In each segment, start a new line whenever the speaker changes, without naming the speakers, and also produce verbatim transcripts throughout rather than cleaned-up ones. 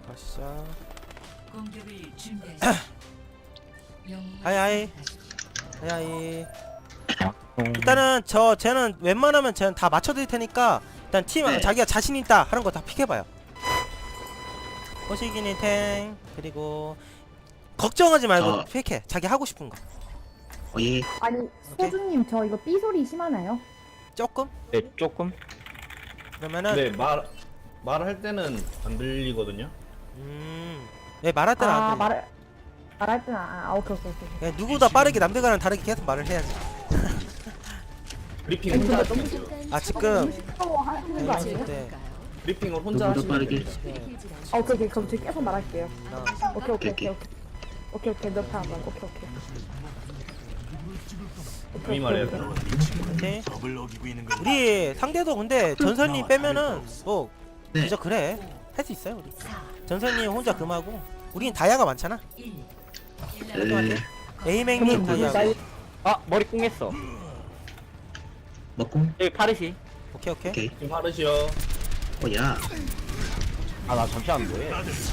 가시자.
공격을 준비하십시오.
하이 하이 하이 하이. 일단은 저 쟤는 웬만하면 쟤는 다 맞춰드릴 테니까 일단 팀
네.
자기가 자신 있다 하는 거 다 픽해봐요. 호시기니 탱 그리고 걱정하지 말고
어.
픽해. 자기 하고 싶은 거.
어, 예.
아니 소주님 저 이거 삐 소리 심하나요?
조금?
네, 조금.
그러면은
네, 말 말할 때는 안 들리거든요.
음, 네 말할 때는
아
안 돼.
말을 말할 때는 아, 아 오케이 오케이 오케이.
야, 누구보다 빠르게 남들과는 다르게 계속 말을 해야지.
브리핑
아니,
혼자
근데
하시면 돼요.
아 지금
시끄러워 하시는 거 아니에요?
네.
브리핑을 혼자
누구보다
하시면
빠르게.
돼요.
아 오케이 오케이 그럼 저 계속 말할게요.
어.
오케이 오케이 오케이
오케이.
오케이 오케이 오케이 너 다음 번 오케이 오케이.
감히 말해요.
오케이. 우리 상대도 근데 전설님 빼면은 뭐
네.
그저 그래 할 수 있어요 우리. 전설님 혼자 금하고 우린 다이아가 많잖아.
네.
에이맹님
그러면 누구
다이아고.
아, 머리 꿍했어.
먹고.
여기 파르시.
오케이 오케이.
오케이.
지금 하르시요.
어, 야.
아, 나 잠시만 뭐해?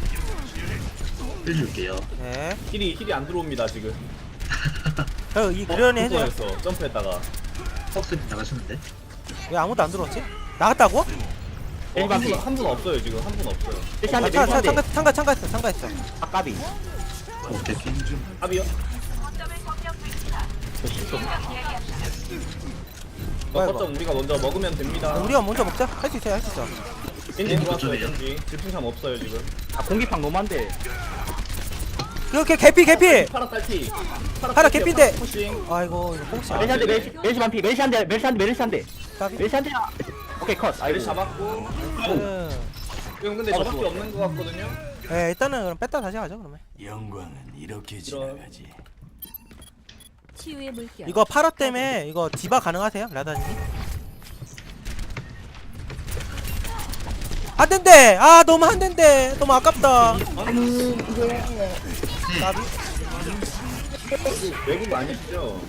해줄게요.
네.
힐이 힐이 안 들어옵니다 지금.
어, 이 그러니 해줘.
했어. 점프했다가.
턱스 나가셨는데?
왜 아무도 안 들어왔지? 나갔다고?
어, 한분 한 분 없어요 지금 한 분 없어요.
멜시
아,
한 대,
차,
멜시
차,
한 대.
참가, 참가, 참가했어, 참가했어.
아, 까비.
어, 오케이, 오케이.
합이요? 어,
아이고.
거점 우리가 먼저 먹으면 됩니다.
우리가 먼저 먹자. 할 수 있어요, 할 수 있어.
겐지
네,
들어왔어요
거점이에요.
겐지. 질풍참 없어요 지금.
아, 공기팡 너무한데.
이렇게 개피, 개피.
파라 딸피.
파라 개피인데.
푸싱.
아이고 이거 뽕치.
멜시 한 대, 멜시, 멜시 반피, 멜시 한 대, 멜시 한 대, 멜시 한 대.
까비.
멜시 한 대. 오케이, 컷.
아이를
아이고.
잡았고.
음.
지금 근데
어,
저밖에
좋아.
없는 것 같거든요.
네, 일단은 그럼 뺐다 다시 가죠 그러면.
영광은 이렇게
이런.
지나가지.
치유의 물결.
이거 파라 때문에 이거 디바 가능하세요, 라다님? 안 된대. 아 너무 안 된대. 너무 아깝다.
아니 이게
까비.
외국 아니시죠?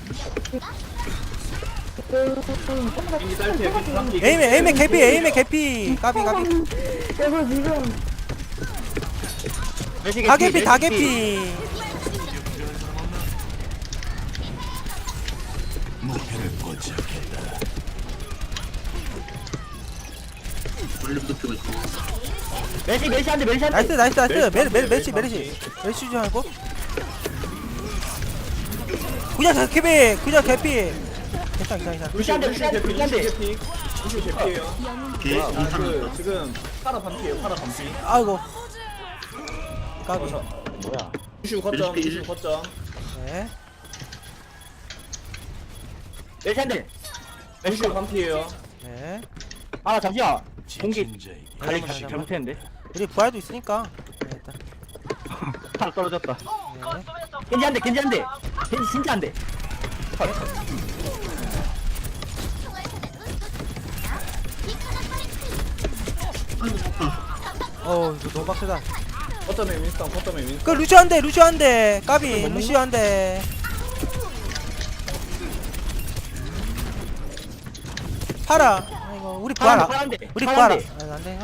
그
겐지 딸피 겐지 딸피.
에이맨, 에이맨 개피, 에이맨 개피. 까비, 까비.
그래서 지금
멜시
다 개피,
멜시
다 개피.
목표를 포착했다.
원래 붙고 있고.
멜시, 멜시 한 대, 멜시 한 대.
나이스, 나이스, 나이스.
멜시
메르, 메르,
멜시
메르시, 메르시.
멜시.
메르시 좀 하고. 그냥 다 개피, 그냥 개피. 괜찮아, 괜찮아, 괜찮아.
루시 한 대, 루시 한 대,
루시
루시 한 대.
개피. 루시 개피예요.
오케이.
아,
인상
그
났다.
지금 파라 반피예요. 파라 반피.
아이고. 까비.
어, 저-
뭐야?
루시 거점.
멜시
루시 거점.
네.
멜시 한 대.
루시 반피예요.
네.
아, 나 잠시만. 공기
지침자에게
관리
잠깐만,
잘못했는데.
우리 부활도 있으니까. 네, 일단.
하나 떨어졌다.
네.
겐지 한 대, 겐지 한 대. 겐지 진짜 한 대.
아이고, 아파.
어우, 이거 너무 빡세다.
거점에 윈스턴. 거점에 윈스턴.
그 루시 한 대, 루시 한 대. 까비, 루시 한 대. 파라. 아이고, 우리 부활.
파라
안-
한 대.
우리
파라
부활.
한
안-
대.
안 돼.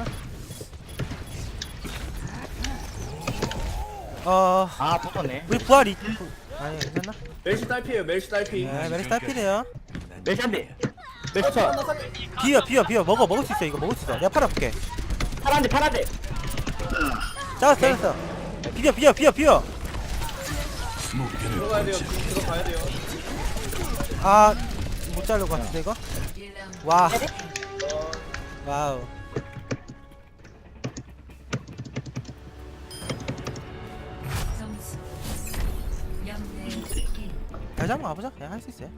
어. 어,
아, 붙었네.
우리 부활 이. 아니, 괜찮나?
멜시 딸피예요. 멜시 딸피.
네, 메르시 딸피네요.
멜시 한 대. 멜시 쳐.
비어, 비어, 비어. 먹어, 먹을 수 있어. 이거 먹을 수 있어. 내가 팔아 볼게.
파란 대, 파란 대.
잡았어, 잡았어. 비어, 비어, 비어, 비어.
목표를
들어가야 돼요. 지금 들어가야 돼요.
아, 못 자를 것 같은데 이거? 와. 와우.
점수 영대 일.
다시 한번 가보자. 그냥 할 수 있어요.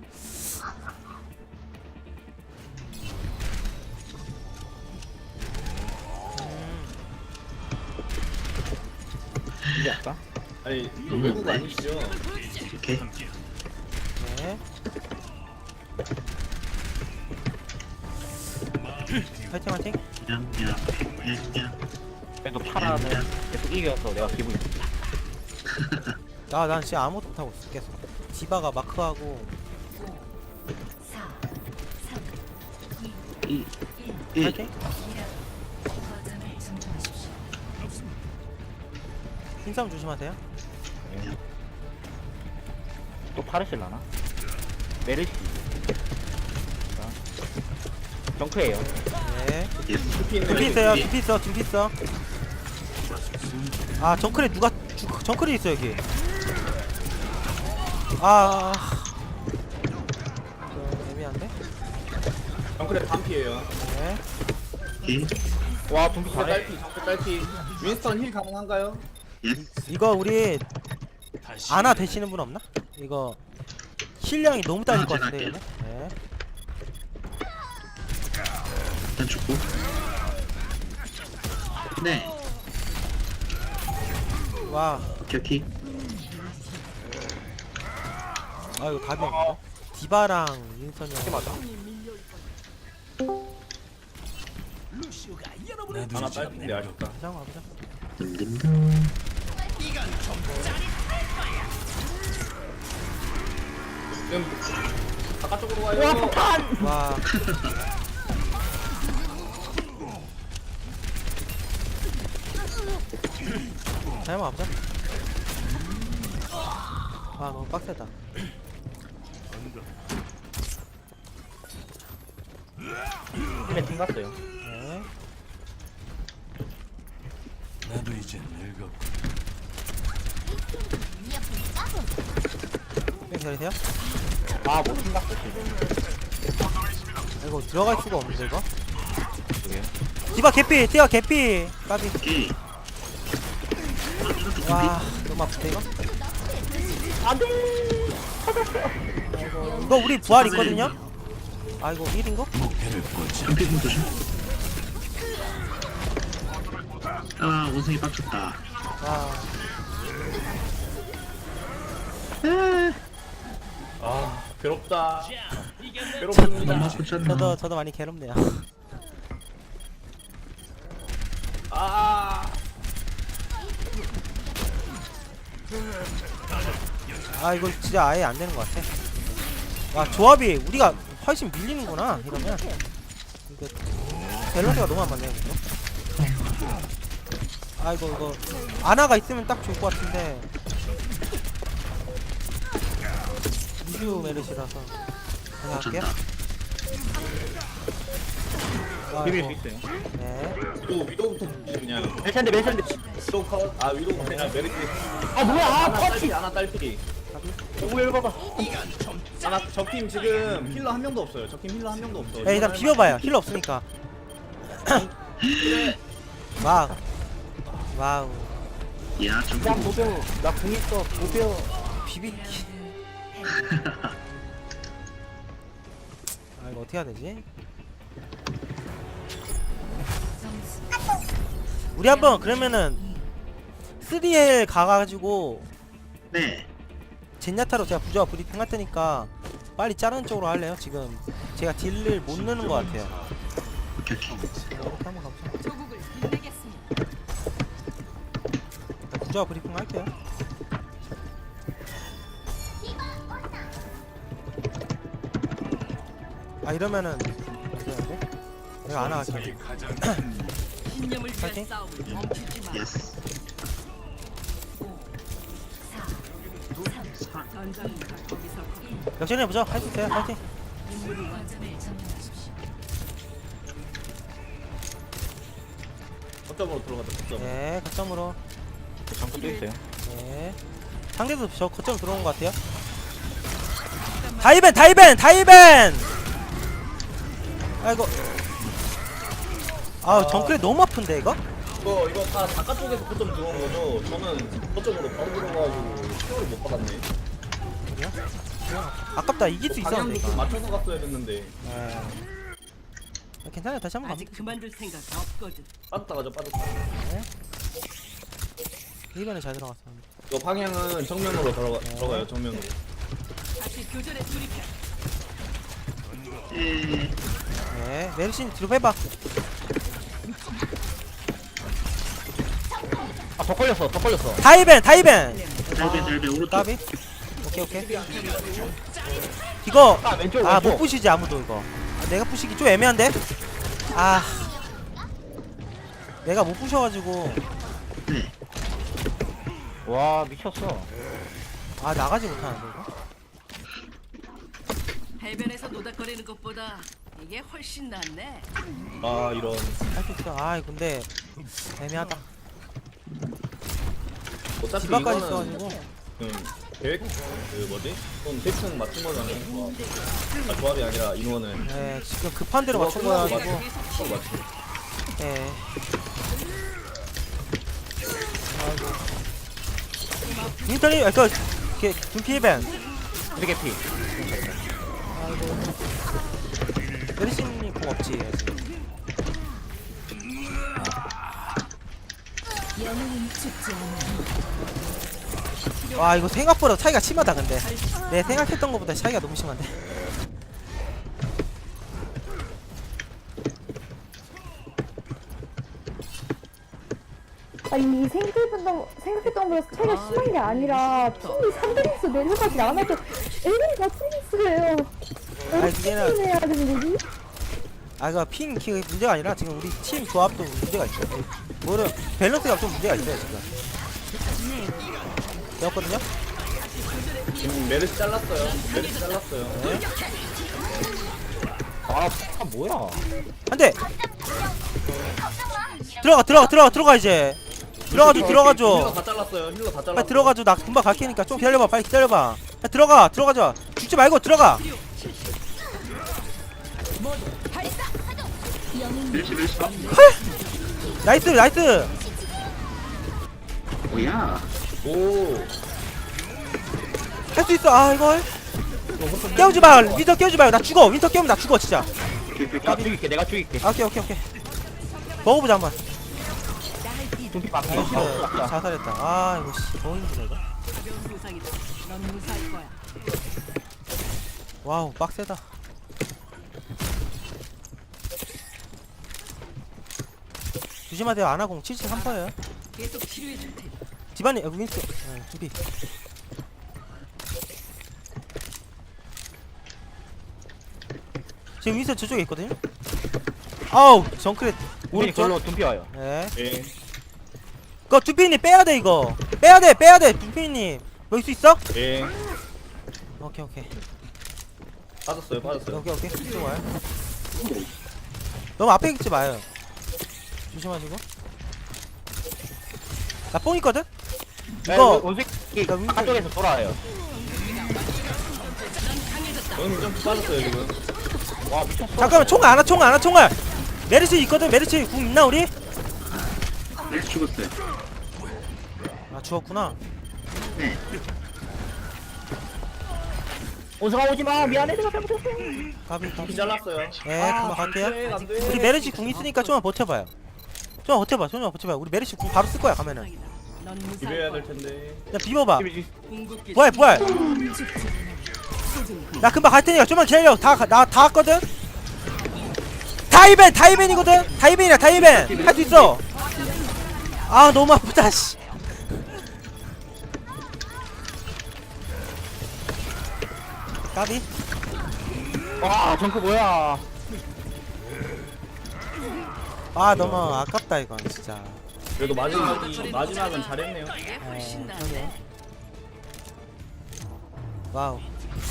이제 할까?
아니 외국 아니시죠?
오케이.
네. 화이팅, 화이팅.
냥, 냥, 냥, 냥.
그래도 파라는 계속 이겨서 내가 기분이 좋다.
나, 난 진짜 아무것도 못하고 있어. 계속. 디바가 마크하고.
사, 삼,
이, 일.
화이팅.
거점을 점령하십시오.
힘싸움 조심하세요.
또 파르실라나? 메르시. 자, 정크예요.
네.
두피 있네.
둠피 있어요. 둠피 있어. 둠피 있어. 아 정크레 누가 주, 정크레 있어 여기. 아. 좀 애매한데?
정크레 반피에요.
네.
오케이.
와, 둠피
정크
잘해.
딸피, 정크 딸피. 윈스턴 힐 가능한가요?
예스.
이거 우리
다시
아나 되시는 분 없나? 이거 힐량이 너무 딸릴 것 같은데
제가
이거. 네.
일단 죽고. 네.
와.
오케이 오케이.
아 이거 답이 없는데? 디바랑 윈선이 형.
맞아.
나도
하나
이제
딸피인데 아쉽다.
보자 보자.
듬듬듬.
지금 바깥쪽으로 가요.
와. 잘못 없자. 아 너무 빡세다.
팀에 팀 갔어요.
네.
나도 이제 늙었고
뺑 기다리세요.
아, 뭐 팀 갔어, 지금.
이거 들어갈 수가 없는데 이거.
그게.
디바 개피, 디바 개피. 까비.
오케이.
와 너무 아픈데 이거. 안돼. 이거 우리 부활 있거든요. 아 이거 일인가?
목표를 꽂아.
덤피 공 조심. 아 원숭이 빡쳤다.
와.
아, 괴롭다. 괴롭습니다.
엄마 꽂혔나?
저도 저도 많이 괴롭네요.
아,
아 이거 진짜 아예 안 되는 것 같아. 와 조합이 우리가 훨씬 밀리는구나 이러면. 이거 밸런스가 너무 안 맞네요 이거. 아 이거 이거 아나가 있으면 딱 좋을 것 같은데. 우주 메르시라서 그냥 할게요.
꽂혔다.
아,
비빌 수
이거.
있어요.
네.
또 위도부터 그냥.
멜찬데, 멜찬데.
위도 컷. 아, 위도 그냥 메리트.
아, 뭐야, 아,
하나
터치.
딸피, 하나 딸피.
오, 이거 봐봐.
하나 적팀 지금 힐러 한 명도 없어요. 적팀 힐러 한 명도 없어.
야, 일단 비벼봐요. 힐러 없으니까. 와우. 와우.
야 정크
야,
공.
노병. 나 궁 있어. 노병.
비비기. 아 이거 어떻게 해야 되지?
점수
우리 한번 그러면은 쓰리 엘 가가지고
네.
젠야타로 제가 부조화 브리핑 할 테니까 빨리 자르는 쪽으로 할래요? 지금 제가 딜을 못 넣는 것 같아요.
오케이 오케이.
이렇게 한번 가보자.
조국을 빛내겠습니다.
일단 부조화 브리핑 할게요. 아 이러면은 어떻게 해야 돼? 내가 안 나갈게.
신념을 위한
파이팅.
싸움을 멈추지 마.
예스.
전장이 거기서 거기
역전해 보죠. 할 수 있어요. 파이팅.
거점을 점령하십시오.
거점으로 들어가자. 거점.
네, 거점으로.
잠깐 또 있어요.
네. 상대도 저 거점 들어온 것 같아요. 다이벤, 다이벤, 다이벤. 아이고. 아, 정크레 너무 아픈데 이거?
이거 이거 다 바깥쪽에서 거점 들어온 거죠. 저는 거점으로 바로 들어가가지고 시간을 못 받았네.
아깝다. 이길 수 있었는데
방향도 좀
이거.
맞춰서 갔어야 됐는데.
네. 아, 괜찮아요. 다시 한번
아직
가면
그만둘 생각 없거든.
빠졌다 가죠 빠졌다.
이번에 잘 들어갔었는데.
이거 방향은 정면으로 들어가, 들어가요 정면으로.
다시 교전에 돌입해.
에.
네, 메르신 뒤로 빼봐.
아, 더 걸렸어, 더 걸렸어.
다이벤, 다이벤.
달배 달배 오른쪽.
까비. 오케이, 오케이. 이거
아, 왼쪽,
아, 못
왼쪽.
부시지 아무도 이거. 아, 내가 부시기 좀 애매한데. 아, 내가 못 부셔가지고.
네.
와 미쳤어.
아 나가지 못하는데 이거?
해변에서 노닥거리는 것보다 이게 훨씬 낫네.
아 이런.
할 수 있어. 아 근데 애매하다.
어차피
디바까지
이거는
있어가지고.
음, 계획 그 뭐지? 좀 대충 맞춘 거잖아요. 아 조합이 아니라 인원을.
네 지금 급한 대로 맞춘
끝나고
거여가지고.
맞춘 거 맞지?
예. 아이고. 윈터님 아까 그 둠피벤.
되게 피.
아이고. 메르시님 공 없지 아직. 와 이거 생각보다 차이가 심하다 근데 내 생각했던 것보다 차이가 너무 심한데.
아니 생각했던 생각했던 것보다 차이가 심한 게 아니라 핑이 삼 등에서 내려가지 않아서 에이 같이 있어요.
아니, 그게는-
해야 되는 거지?
아 이거 핑 키 문제가 아니라 지금 우리 팀 조합도 문제가 있어요. 뭐를 밸런스가 좀 문제가 있어요 지금. 되었거든요?
지금 메르시 잘랐어요. 메르시 잘랐어요.
아, 아 뭐야?
안돼. 들어가 들어가 들어가 들어가 이제. 들어가줘
힐러
들어가줘.
다 잘랐어요. 힐러 다 잘랐어.
빨리 들어가줘. 나 금방 갈 테니까 좀 기다려봐. 빨리 기다려봐. 빨리 들어가 들어가자. 죽지 말고 들어가.
멜시 멜시.
나이스 나이스.
뭐야?
오.
할 수 있어. 아 이걸 깨우지 마. 윈터 깨우지 마요. 나 죽어. 윈터 깨우면 나 죽어 진짜.
내가 죽일게. 내가 죽일게.
아, 오케이 오케이 오케이. 먹어보자 한번.
둠피 밖에.
나이스. 자살했다. 아 이거 씨 너무 힘들어 이거.
가벼운 부상이다. 넌 무사할 거야.
와우 빡세다. 조심하세요. 아나공 칠십삼 퍼센트예요.
계속 치료해 줄 테니.
디바니 어, 윈스. 네, 준비. 지금 윈스 저쪽에 있거든요. 아우 정크렛
우리
오른쪽.
걸로 둠피 와요.
네.
예.
그거 두피님 빼야 돼 이거. 빼야 돼 빼야 돼 두피님. 먹을 수 있어?
예.
오케이 오케이
빠졌어요. 빠졌어요.
오케이 오케이. 이쪽 와요. 너무 앞에 있지 마요. 조심하시고. 나 뽕 있거든.
네,
이거
원숭이
나 윈-
한쪽에서 돌아와요.
저는 좀 빠졌어요 지금.
와 미쳤어.
잠깐만 총알 안와 총알 안와 총알. 메르시 있거든. 메르시 궁 있나 우리?
멜시 죽었어요.
아 죽었구나.
네.
원숭아 오지 마. 미안해. 내가 잘못했어.
가비
피
가비.
잘랐어요.
네 금방 갈게요.
안돼 안돼.
우리 메르시 궁 있으니까 좀만 버텨봐요. 좀만 버텨봐. 좀만 버텨봐. 우리 메르시 궁 바로 쓸 거야 가면은.
부상이다. 넌 무사할
비벼야
거야.
될 텐데.
야 비벼봐.
궁극기
부활 부활. 나 금방 갈 테니까 좀만 기다려. 다나 다 왔거든. 다이벤 다이벤이거든. 다이벤이야 다이벤. 할 수 있어. 아 너무 아프다 씨. 까비.
와 정크 뭐야?
아 너무 아깝다 이건 진짜.
그래도 마지막이 마지막은 잘했네요.
이게
어,
훨씬 낫네.
와우.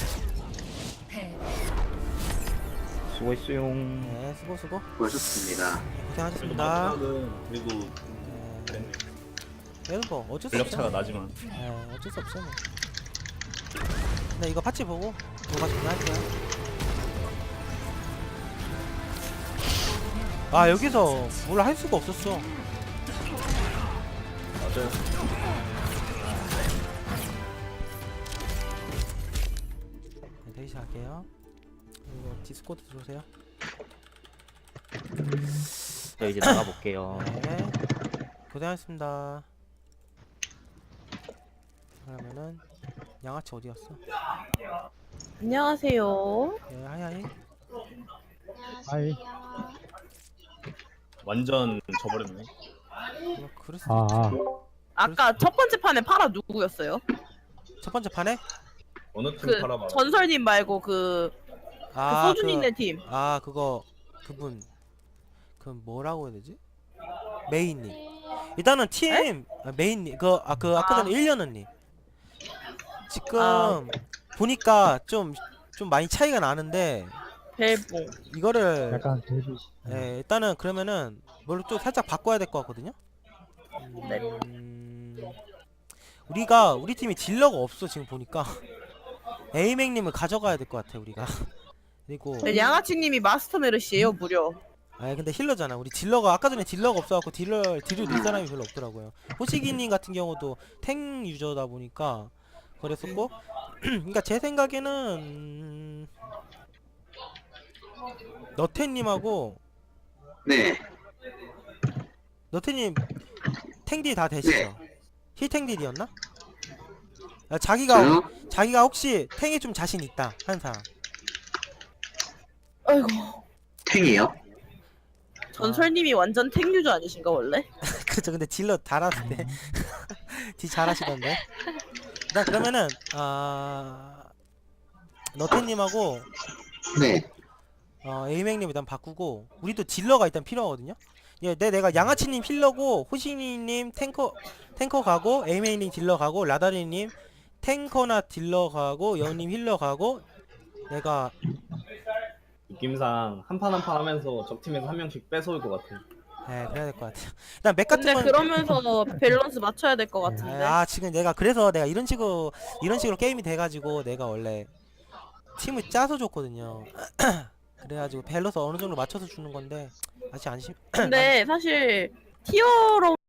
수고했어요.
네 수고 수고.
수고하셨습니다.
그래도
고생하셨습니다.
마지막은 그래도
네.
잘했네요.
그래도 뭐 어쩔 수
전력
없죠.
차가 나지만.
네 어쩔 수 없어 뭐. 근데 이거 파츠 보고 뭐가 중요할게요. 아 여기서 뭘 할 수가 없었어.
맞아요.
네, 대기실 할게요. 그리고 디스코드 들어오세요.
저 이제 나가볼게요.
네. 고생하셨습니다. 그러면은 양아치 어디 갔어?
안녕하세요.
네, 하이하이.
완전 져버렸네.
뭐 그랬어.
아,
아까 첫 번째 판에 파라 누구였어요?
첫 번째 판에
어느 팀
그
팔아봐.
전설님 말고 그, 그
아
소준이네 팀.
아 그거 그분 그 뭐라고 해야 되지? 메이님. 일단은 팀 아, 메인님 그 아 그 아까
아.
전에 일년언니 지금
아.
보니까 좀 좀 많이 차이가 나는데
벨봉.
이거를
약간 데뷔.
예, 일단은 그러면은 뭘로 좀 살짝 바꿔야 될 것 같거든요.
네.
음, 우리가 우리 팀이 딜러가 없어 지금 보니까 에이맥님을 가져가야 될 것 같아 우리가. 그리고
네, 양아치님이 마스터 메르시예요 무려.
아 근데 힐러잖아. 우리 딜러가 아까 전에 딜러가 없어갖고 딜러 딜을 넣을 사람이 별로 없더라고요. 호시기님 같은 경우도 탱 유저다 보니까 그랬었고. 그러니까 제 생각에는 음, 너태님하고
네.
너태님 탱딜 다 되시죠?
네.
힐탱딜이었나? 아, 자기가
저요?
자기가 혹시 탱에 좀 자신 있다 한 사람.
아이고.
탱이요?
전설님이 완전 탱 유저 아니신가 원래?
그죠. 근데 딜러 잘하던데. 딜 잘하시던데. 나 그러면은 아 너태님하고
네.
어 에이맥님 일단 바꾸고 우리도 딜러가 일단 필요하거든요. 예, 내 내가 양아치님 힐러고 호시니님 탱커 탱커 가고 에이맥님 딜러 가고 라다리님 탱커나 딜러 가고 여우님 힐러 가고 내가
느낌상 한 판 한 판 하면서 적 팀에서 한 명씩 뺏어올 것 같아.
예 그래야 될 것 같아요. 일단 맥 같은
근데
건
그러면서 밸런스 맞춰야 될 것
예,
같은데.
아 지금 내가 그래서 내가 이런 식으로 이런 식으로 게임이 돼가지고 내가 원래 팀을 짜서 줬거든요. 그래가지고 밸런스 어느 정도 맞춰서 주는 건데 아직 안 심.
근데 사실 티어로